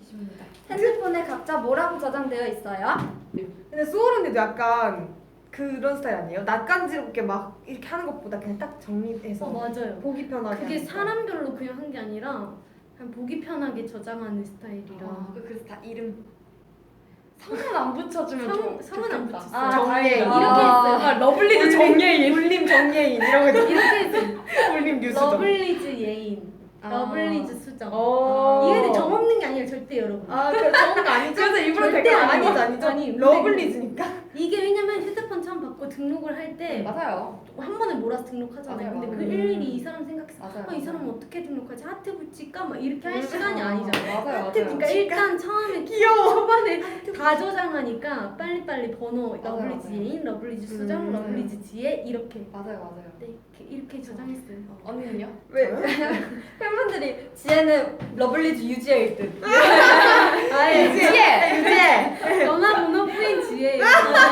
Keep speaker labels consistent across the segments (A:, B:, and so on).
A: 쉽습니다.
B: 핸드폰에 각자 뭐라고 저장되어 있어요?
C: 근데 소울 언니도 약간 그런 스타일 아니에요? 낯간지럽게 막 이렇게 하는 것보다 그냥 딱 정리해서
D: 맞아요.
C: 보기 편하게
D: 그게
C: 하니까.
D: 사람별로 그냥 한 게 아니라 그냥 보기 편하게 저장하는 스타일이라.
A: 그래서 다 이름 성은 안 붙여주면
D: 성은 안
A: 좋겠다.
D: 붙였어요.
C: 정예인
D: 이렇게 했어요.
A: 러블리즈 정예인.
C: 울림 정예인 이런 거
D: 이렇게 했어요.
C: 울림 뉴스점.
D: 러블리즈 예인, 러블리즈 수정.
C: 어.
D: 이게 근데 정 없는 게 아니에요, 절대 여러분.
C: 아, 그 좋은 거 아니죠?
A: 그래서 일부러
C: 절대
A: 댓글
C: 아니죠,
A: 아니고.
C: 아니죠.
D: 아니,
C: 러블리즈니까.
D: 이게 왜냐면 휴대폰 처음 받고 등록을 할 때 한
A: 맞아요.
D: 번에 몰아서 등록하잖아요.
A: 맞아요,
D: 근데 그
A: 맞아요.
D: 일일이 이 사람 생각해서
A: 맞아요.
D: 이 사람 어떻게 등록하지? 하트 붙일까? 막 이렇게 할 시간이 아니잖아요.
A: 맞아요,
D: 하트
A: 맞아요.
D: 그러니까 일단 처음에
C: 귀여워.
D: 초반에 다 저장하니까 빨리빨리 번호
A: 맞아요,
D: 러블리즈
A: 맞아요.
D: 예인, 러블리즈 수정, 러블리즈 지혜 이렇게
A: 맞아요.
D: 네, 이렇게 저장했어요.
A: 언니는요?
B: 왜? 팬분들이 지혜는 러블리즈 유지혜일 듯.
D: 아예
C: 유지해.
D: 전화 번호 부인 지혜예요.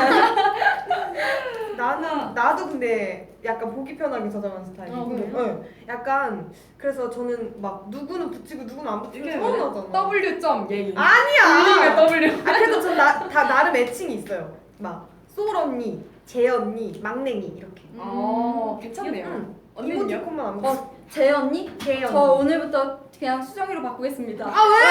C: 나도 근데 약간 보기 편하게 저장하는 스타일이고.
D: 그래요?
C: 응. 약간 그래서 저는 막 누구는 붙이고 누구는 안 붙이고
A: 이게
C: 서운하잖아.
A: W. 예인.
C: 아니야.
A: W.
C: 아 그래도 전 다 나름 애칭이 있어요. 막 소울 언니, 재 언니, 막냉이 이렇게.
A: 괜찮네요.
C: 응.
A: 언니는요?
C: 이모티콘만 안 붙여.
B: 재혜 언니?
C: 재
B: 저
C: 언니.
B: 오늘부터 그냥 수정이로 바꾸겠습니다.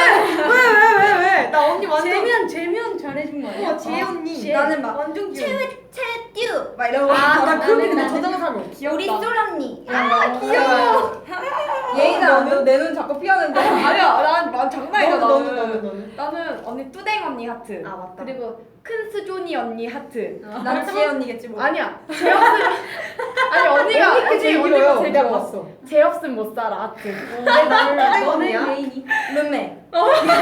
C: 왜? 나 언니 완전.
D: 재면 잘해준 거 아니야?
C: 재 언니.
D: 재.
B: 나는 막
C: 완전 귀여워.
B: 채듀 막 이러고.
C: 나 그렇게 근데
D: 나는-
C: 저장한 사람이 없어.
B: 우리 솔 언니.
C: 귀여워.
B: 예인아, 내 눈 자꾸 피하는데.
A: 아니야, 난 장난이야.
C: 너는.
A: 나는 언니 뚜댕 언니 하트.
C: 아 맞다.
A: 그리고 큰 수존이 언니 하트.
B: 난 지혜 언니겠지 뭐.
A: 아니야. 제 없음. 아니 언니가
C: 언니 제일
A: 언니가
C: 길어요.
A: 제일
C: 내가
A: 길어.
C: 봤어.
A: 제 없음 못 살아 하트.
C: 나는
D: 너는
C: 언니야?
D: 예인이.
B: 룸메.
C: 아